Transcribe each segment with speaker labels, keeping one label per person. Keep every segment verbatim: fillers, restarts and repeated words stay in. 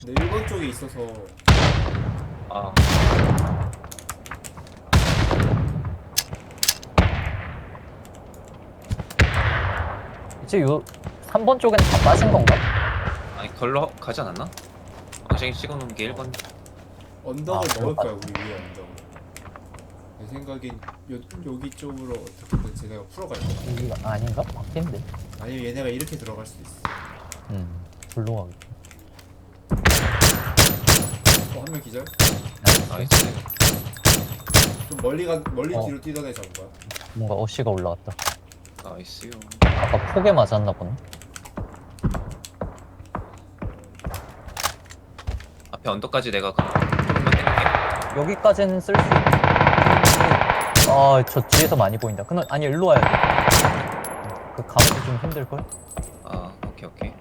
Speaker 1: 근데 일 번 쪽에 있어서
Speaker 2: 아,
Speaker 3: 이제 요 삼 번 쪽엔 다 빠진 건가?
Speaker 2: 아니 걸러 가지 않았나? 왕생이 찍어놓은 게 일 번.
Speaker 1: 언덕을
Speaker 3: 아,
Speaker 1: 먹을
Speaker 3: 그럴까?
Speaker 1: 거야 우리 위에 언덕을. 내 생각엔 요, 여기 쪽으로 어떻게든 쟤네가 풀어갈 거야.
Speaker 3: 여기가 아닌가? 바뀐데.
Speaker 1: 아니면 얘네가 이렇게 들어갈 수도 있어.
Speaker 3: 음, 불로 가겠다.
Speaker 1: 어, 한 명 기절?
Speaker 2: 나이스.
Speaker 1: 좀 멀리 가 멀리
Speaker 3: 어.
Speaker 1: 뒤로 뛰던 애 잡은 거야.
Speaker 3: 뭔가 어시가 올라왔다.
Speaker 2: 나이스요.
Speaker 3: 아까 폭에 맞았나 보네.
Speaker 2: 앞에 언덕까지 내가 가. 조금만 땡길게.
Speaker 3: 여기까지는 쓸 수 있는데. 아, 저 뒤에서 많이 보인다. 그럼 아니 일로 와야 돼. 그 가면 좀 힘들걸?
Speaker 2: 아, 오케이 오케이.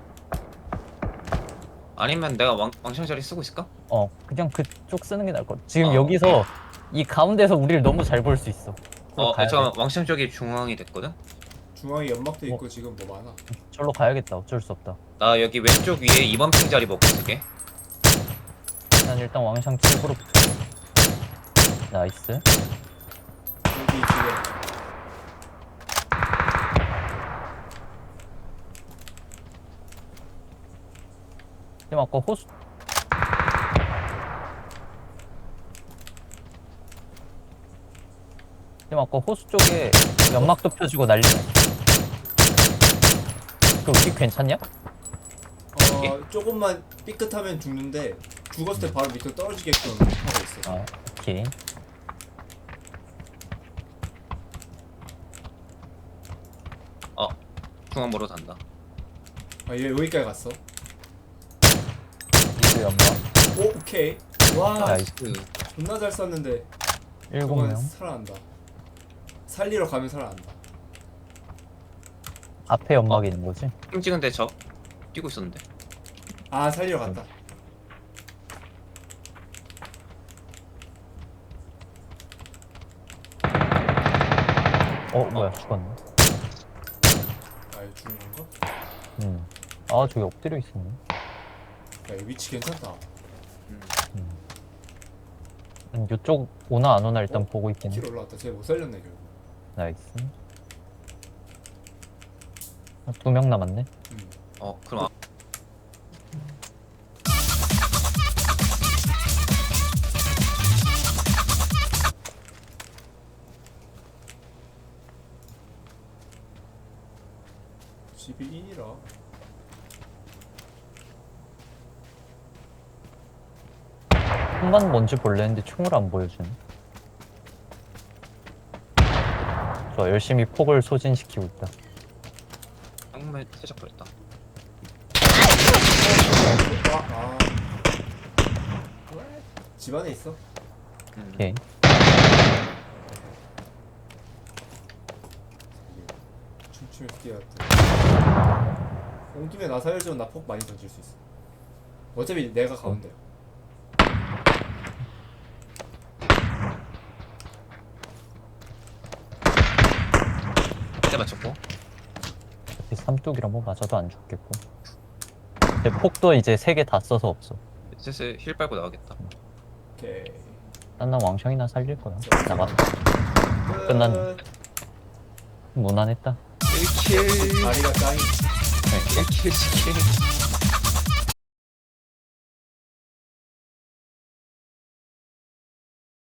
Speaker 2: 아니면 내가 왕 왕창 자리 쓰고 있을까?
Speaker 3: 어, 그냥 그쪽 쓰는 게 나을 것 같아. 지금
Speaker 2: 어.
Speaker 3: 여기서 이 가운데서 우리를 너무 잘 볼 수 있어.
Speaker 2: 어,
Speaker 3: 가야
Speaker 2: 잠깐만
Speaker 3: 돼.
Speaker 2: 왕창 쪽이 중앙이 됐거든.
Speaker 1: 중앙에 연막도 있고
Speaker 3: 어.
Speaker 1: 지금 뭐 많아.
Speaker 3: 절로 가야겠다. 어쩔 수 없다.
Speaker 2: 나 여기 왼쪽 위에 이 번 핑 자리 먹고 있을게.
Speaker 3: 난 일단 왕창 칠구로 나이스.
Speaker 1: 여기 지금
Speaker 3: 지금 아까 호수 지금 아까 호수 쪽에 연막도 펴주고 난리 났어. 그 우리 괜찮냐?
Speaker 1: 어 조금만 삐끗하면 죽는데 죽었을 때 바로 밑으로 떨어지게끔 하고 있어.
Speaker 3: 아, 오케이.
Speaker 2: 어, 중앙으로 단다.
Speaker 1: 아 얘 여기까지 갔어.
Speaker 3: 이제 연막
Speaker 1: 오 오케이. 와
Speaker 3: 나이스.
Speaker 1: 존나 잘 쐈는데
Speaker 3: 일곱
Speaker 1: 저건
Speaker 3: 명.
Speaker 1: 살아난다. 살리러 가면 살아난다.
Speaker 3: 앞에 연막이 있는 거지?
Speaker 2: 핑 찍은데 저 뛰고 있었는데.
Speaker 1: 아 살리러 갔다.
Speaker 3: 어, 뭐야, 죽었네.
Speaker 1: 아 이거 죽는 건가?
Speaker 3: 음. 아, 저기 엎드려 있었네.
Speaker 1: 야 이 위치 괜찮다.
Speaker 2: 음.
Speaker 3: 음, 이쪽 오나 안 오나 일단
Speaker 1: 어?
Speaker 3: 보고 있긴 해.
Speaker 1: 킬 올라왔다. 쟤 못 살렸네 결국.
Speaker 3: 나이스. 두 명 남았네.
Speaker 1: 음.
Speaker 2: 어, 그럼 아,
Speaker 1: 십일인이라.
Speaker 3: 한번 뭔지 볼래 했는데 총을 안 보여주네. 저 열심히 폭을 소진시키고 있다.
Speaker 2: 정말 살짝 그랬다.
Speaker 1: 아, 아. 집 안에 있어.
Speaker 2: 음.
Speaker 3: 오케이.
Speaker 1: 춤추면 뛰어왔다. 온 김에 나 살려주면 나 폭 많이 던질 수 있어. 어차피 내가 가운데야.
Speaker 2: 한 대 맞췄고.
Speaker 3: 어차피 삼뚝이라 뭐 맞아도 안 죽겠고. 내 폭도 이제 세 개 다 써서 없어.
Speaker 2: 슬슬 힐 빨고 나가겠다.
Speaker 1: 오케이.
Speaker 3: 난 난 왕창이나 살릴 거야. 나갔다.
Speaker 1: 끝.
Speaker 3: 끝났네. 무난했다.
Speaker 2: 일 킬.
Speaker 1: 다리가 짱이.
Speaker 3: 네.
Speaker 2: 일 킬 치킨.